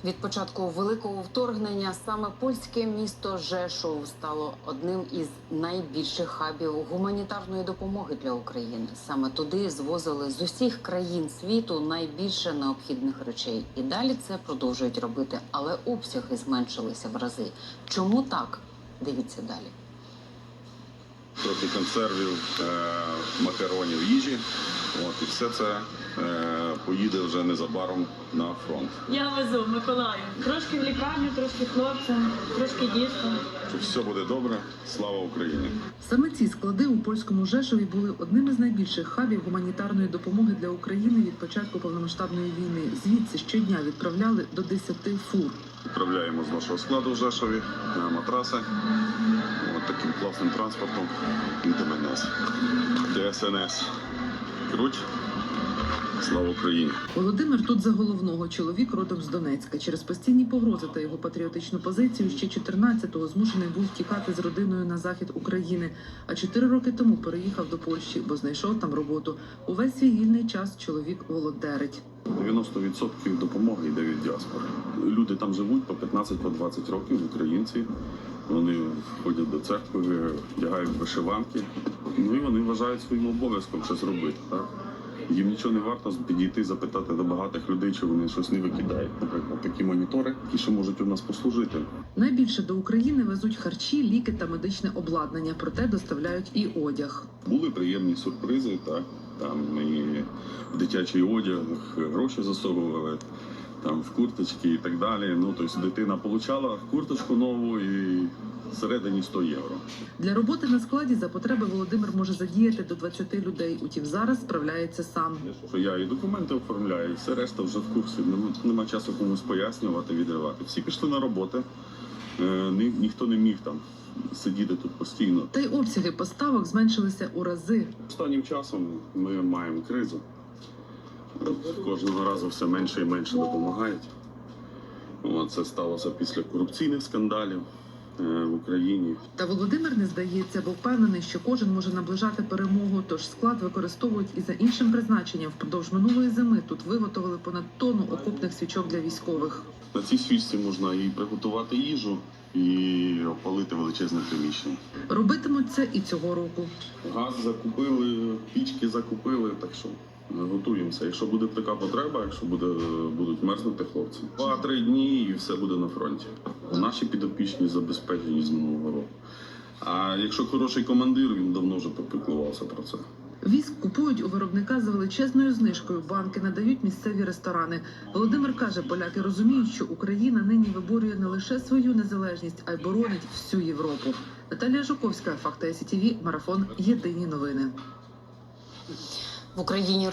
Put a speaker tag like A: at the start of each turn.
A: Від початку великого вторгнення саме польське місто Жешов стало одним із найбільших хабів гуманітарної допомоги для України. Саме туди звозили з усіх країн світу найбільше необхідних речей. І далі це продовжують робити, але обсяги зменшилися в рази. Чому так? Дивіться далі.
B: Трохи консервів, макаронів, їжі. І все це поїде вже незабаром на фронт.
C: Я везу Миколаю. Трошки в лікарню, трошки хлопцям, трошки діткам.
B: Все буде добре. Слава Україні!
D: Саме ці склади у польському Жешові були одним із найбільших хабів гуманітарної допомоги для України від початку повномасштабної війни. Звідси щодня відправляли до 10 фур.
B: Відправляємо з нашого складу в Жешові матраси. Таким класним транспортом від МНС. ДСНС. Круть. Слава Україні!
D: Володимир тут за головного. Чоловік родом з Донецька. Через постійні погрози та його патріотичну позицію ще 14-го змушений був тікати з родиною на захід України. А 4 роки тому переїхав до Польщі, бо знайшов там роботу. Увесь свій вільний час чоловік волонтерить.
B: 90% допомоги йде від діаспори. Люди там живуть по 15-20 років, українці. Вони ходять до церкви, вдягають вишиванки. І вони вважають своїм обов'язком щось робити. Так? Їм нічого не варто підійти, запитати до багатих людей, чи вони щось не викидають. Наприклад, такі монітори, які ще можуть у нас послужити.
D: Найбільше до України везуть харчі, ліки та медичне обладнання, проте доставляють і одяг.
B: Були приємні сюрпризи, так? Там і в дитячий одяг гроші засовували, там в курточки і так далі. Тобто дитина отримала курточку нову і всередині 100 євро.
D: Для роботи на складі за потреби Володимир може задіяти до 20 людей. Утім, зараз справляється сам.
B: Я і документи оформляю, і все решта вже в курсі. Нема часу комусь пояснювати, відривати. Всі пішли на роботи, ніхто не міг там сидіти тут постійно.
D: Та й обсяги поставок зменшилися у рази.
B: Останнім часом ми маємо кризу. Кожного разу все менше і менше допомагають. Це сталося після корупційних скандалів в Україні.
D: Та Володимир не здається, бо впевнений, що кожен може наближати перемогу, тож склад використовують і за іншим призначенням. Впродовж минулої зими тут виготовили понад тонну окопних свічок для військових.
B: На цій свічці можна і приготувати їжу, і опалити величезне приміщення.
D: Робитимуть це і цього року.
B: Газ закупили, пічки закупили, так що готуємося. Якщо буде така потреба, якщо будуть мерзнути хлопці. 2-3 дні і все буде на фронті. Наші підопічні забезпечені з минулого року. А якщо хороший командир, він давно вже попіклувався про це.
D: Віск купують у виробника за величезною знижкою. Банки надають місцеві ресторани. Володимир каже, поляки розуміють, що Україна нині виборює не лише свою незалежність, а й боронить всю Європу. Наталія Жуковська, Факти СІТВ, Марафон. Єдині новини.
A: В Україні